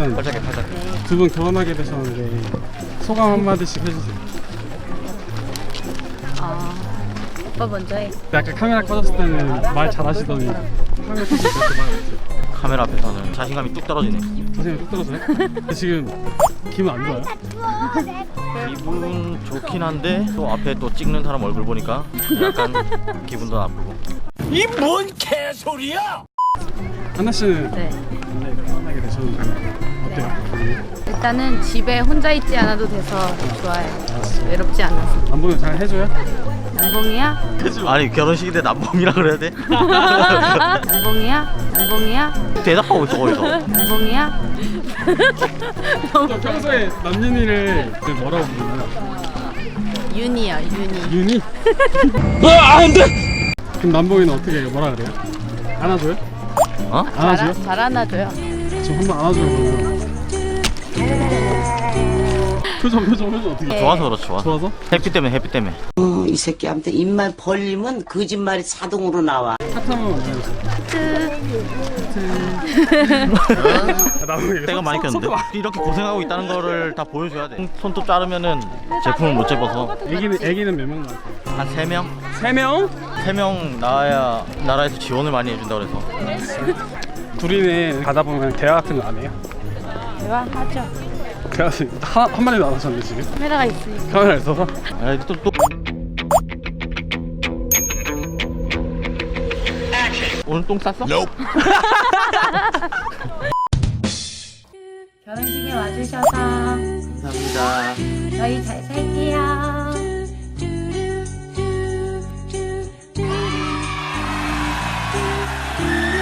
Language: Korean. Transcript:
그러면 팔짝에 팔짝에. 두 분 결혼하게 되셨는데 소감 한마디씩 해주세요. 오빠 먼저 해. 아까 카메라 꺼졌을 때는 말 잘하시더니 카메라 켜질 때 그렇게 말 못해요. 카메라 앞에서는 자신감이 뚝 떨어지네. 자신이 뚝 떨어져요? 근데 지금 기분 안 좋아요? 기분 좋긴 한데 또 앞에 또 찍는 사람 얼굴 보니까 약간 기분도 나쁘고. 이 뭔 개소리야! 한나 씨는 네. 결혼하게 되셨는데 어때요? 일단은 집에 혼자 있지 않아도 돼서 좋아요. 외롭지 않아서. 남보는 잘 해줘요? 남봉이야? 아니 결혼식인데 남봉이라 그래야 돼? 남봉이야? 남봉이야? 대답하고 있어 거기서. 남봉이야? 평소에 남윤이를 뭐라고 부르나요? 윤이요, 윤이. 윤이? 안돼! 그럼 남봉이는 어떻게 해요? 뭐라 그래요? 안아줘요? 어? 안아줘요? 잘 안아줘요. 지금 한번 안아줘요 그러면. 표정 어떻게 네. 좋아서 그렇지 좋아. 좋아서? 햇빛 때문에 햇빛 때문에. 이 새끼한테 입만 벌리면 거짓말이 자동으로 나와. 사탕은 남봉이 때가 많이 꼈는데 이렇게 고생하고 있다는 거를 다 보여줘야 돼. 손톱 자르면은 제품을 못 집어서 애기는 몇 명 나올까요? 한 3명? 3명? 3명 나와야 나라에서 지원을 많이 해준다 그래서. 둘이는 가다 보면 대화 같은 거 안 해요? 대화하죠. 대화 한 마디도 안 하셨는데 지금? 카메라가 있으니까. 카메라 있어서? 아, 또 오늘 똥 쌌어? 결혼식에 와주셔서 감사합니다. 저희 잘 살게요.